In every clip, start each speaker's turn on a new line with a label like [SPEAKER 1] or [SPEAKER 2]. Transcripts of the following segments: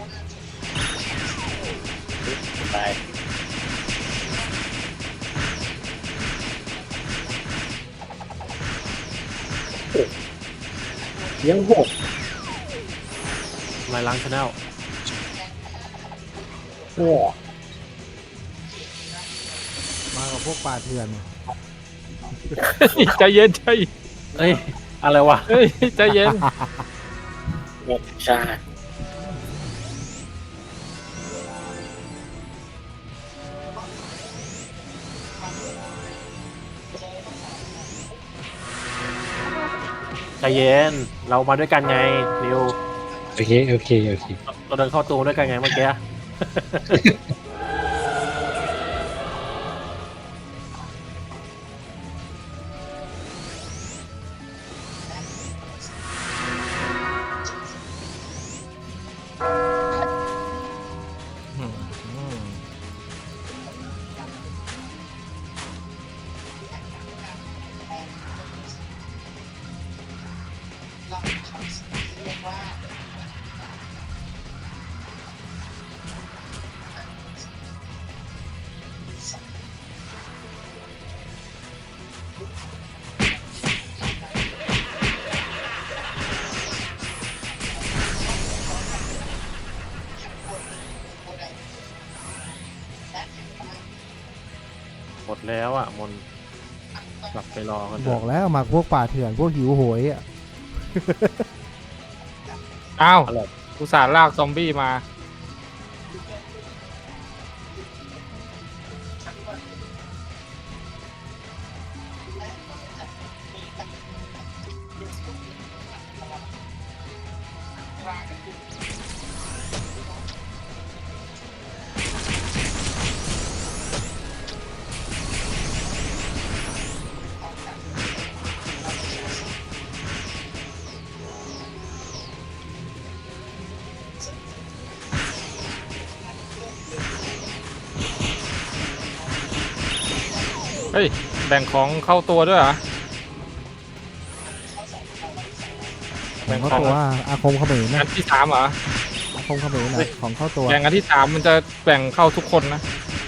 [SPEAKER 1] ตายยังหก
[SPEAKER 2] ลายล้างชาแนล
[SPEAKER 1] โอ้
[SPEAKER 3] มากับพวกป่าเถื่อน
[SPEAKER 4] ใจเย็นใจ
[SPEAKER 2] เอ้ยอะไรวะ
[SPEAKER 4] เฮ้ยใจเย็น
[SPEAKER 1] หมดชาติ
[SPEAKER 2] ใจเย็นเรามาด้วยกันไงนิว
[SPEAKER 5] โอเคโอเคโอเค
[SPEAKER 2] เราเดินเข้าตูด้วยกันไงเมื่อกี้ หมดแล้วอ่ะมนกลับไปรอกันเถ
[SPEAKER 3] บ
[SPEAKER 2] อะ
[SPEAKER 3] อกแล้วมาพวกป่าเถื่อนพวกหิวโหยอ่ะ
[SPEAKER 4] อ้าวอุตส่าห์ลากซอมบี้มา เฮ้ยแบ่งของเข้าตัวด้วยเหรอ
[SPEAKER 3] ของเข้าตัวอาคมเขมร
[SPEAKER 4] อั
[SPEAKER 3] นะ
[SPEAKER 4] นที่สามเหรอ
[SPEAKER 3] อาคมเขมรนะของเข้าตัว
[SPEAKER 4] แบ่งอันที่สามมันจะแบ่งเข้าทุกคนนะ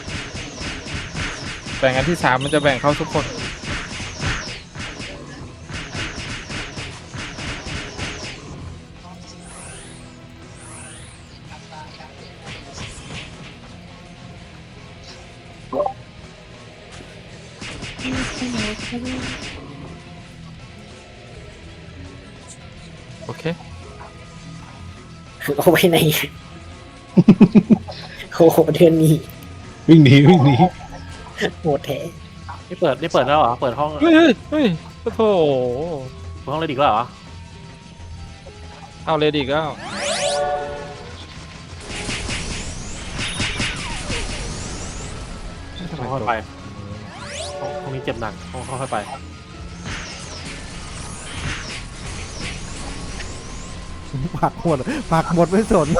[SPEAKER 4] แบ่งอันที่สามมันจะแบ่งเข้าทุกคนโอเค
[SPEAKER 1] เอาไว้ในโอ้โหเดือนนี้
[SPEAKER 5] วิ่งหนีวิ่งหนี
[SPEAKER 1] โหดแท้
[SPEAKER 2] นี่เปิดแล้วเหรอเปิดห้อง
[SPEAKER 4] เฮ้ยเฮ้ยโอ้โห
[SPEAKER 2] ห้องเลยดีกว่าเหรอ
[SPEAKER 4] เอาเลยดิก็
[SPEAKER 2] ค่อยๆไปห้องนี้เจ็บหนักค่อยๆไป
[SPEAKER 3] ผักหมดผักหมดไม่สน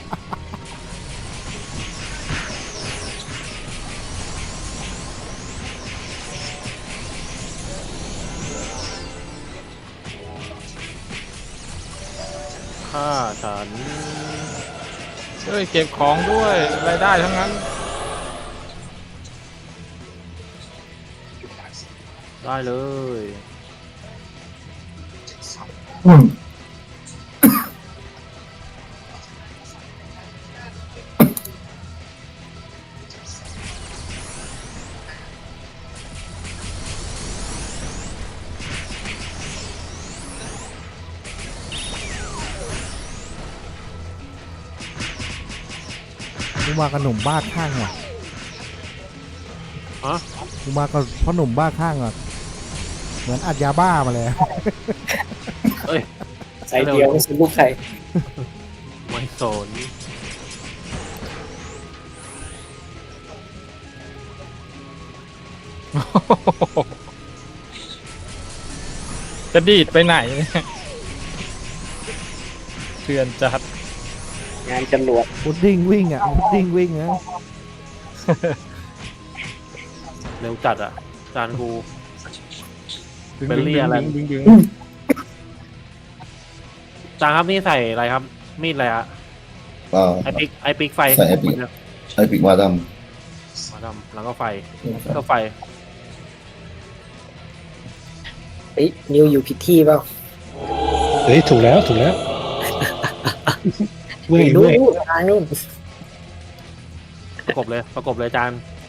[SPEAKER 2] ฆ่าฉัน
[SPEAKER 4] เฮ้ยเก็บของด้วยรายได้ทั้งนั้น
[SPEAKER 2] ได้เลย
[SPEAKER 3] กูมากับหนุ่มบ้าข้างว่ะ
[SPEAKER 2] ฮะ
[SPEAKER 3] กูมากับพ่อหนุ่มบ้าข้างอ่ะเหมือนอัดยาบ้ามาแล้ว
[SPEAKER 2] เอ้ย
[SPEAKER 1] ใส่เดียวไม่ใช่ลูกใคร
[SPEAKER 2] ไม่สน
[SPEAKER 4] จะดีดไปไหนเนี่ยเถื่อนจัด
[SPEAKER 1] งานจรวด
[SPEAKER 3] พุดดิ้งวิ่งอ่ะพุดดิ้งวิ่งนะ
[SPEAKER 2] เร็วจัดอ่ะจานกู
[SPEAKER 4] ดึง
[SPEAKER 2] เบลลี่อะไร
[SPEAKER 4] ดึงดึง
[SPEAKER 2] จานครับนี่ใส่อะไรครับ มีดอะไรอะ
[SPEAKER 6] อ่า
[SPEAKER 2] ไอปิกไฟ
[SPEAKER 6] ใส่ไอปิก ไอปิกมาด
[SPEAKER 2] มาดำแล้วก็ไฟ
[SPEAKER 6] ำ
[SPEAKER 2] ก็ไฟ
[SPEAKER 1] เฮ้ยนิวอยู่ผิดที่เปล่า
[SPEAKER 5] เฮ้ยถูกแล้วถูกแล้วเว้ย
[SPEAKER 1] นู่
[SPEAKER 5] เว้ย
[SPEAKER 1] นทางนู่น
[SPEAKER 2] ประกบเลยจาน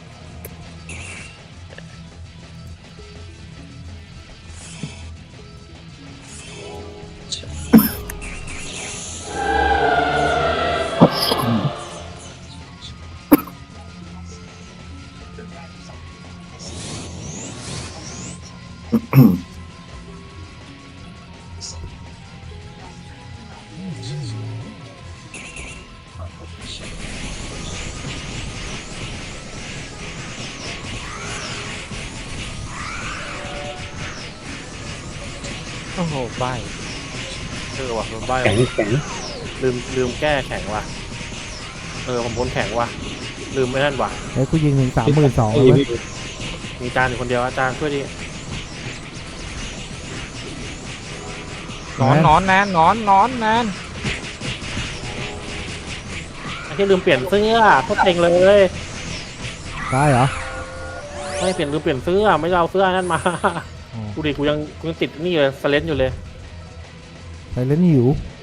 [SPEAKER 4] โอ้โหใบ
[SPEAKER 2] ว่ะโดนใบ
[SPEAKER 5] แข็งแข็ง
[SPEAKER 2] ลืมแก้แข็งว่ะผมพ้นแข็งว่ะลืมไม่นั่นว่ะ
[SPEAKER 3] เฮ้ยกูยิงถึง32,000
[SPEAKER 5] เฮ้
[SPEAKER 3] เลย ย
[SPEAKER 2] มีจานอยู่คนเดียวอาจารย์ช่วยดิ
[SPEAKER 4] นอนแนน
[SPEAKER 2] ไอ้ที่ลืมเปลี่ยนเสื้อโคตรเต็งเลย
[SPEAKER 3] ตายเหรอ
[SPEAKER 2] ไม่เปลี่ยนลืมเปลี่ยนเสื้อไม่ได้เอาเสื้อนั่นมา
[SPEAKER 3] อ๋อ
[SPEAKER 2] กูดิกูยังติดนี่เลยสเลนอยู่เลย
[SPEAKER 3] ไปเล่นหิว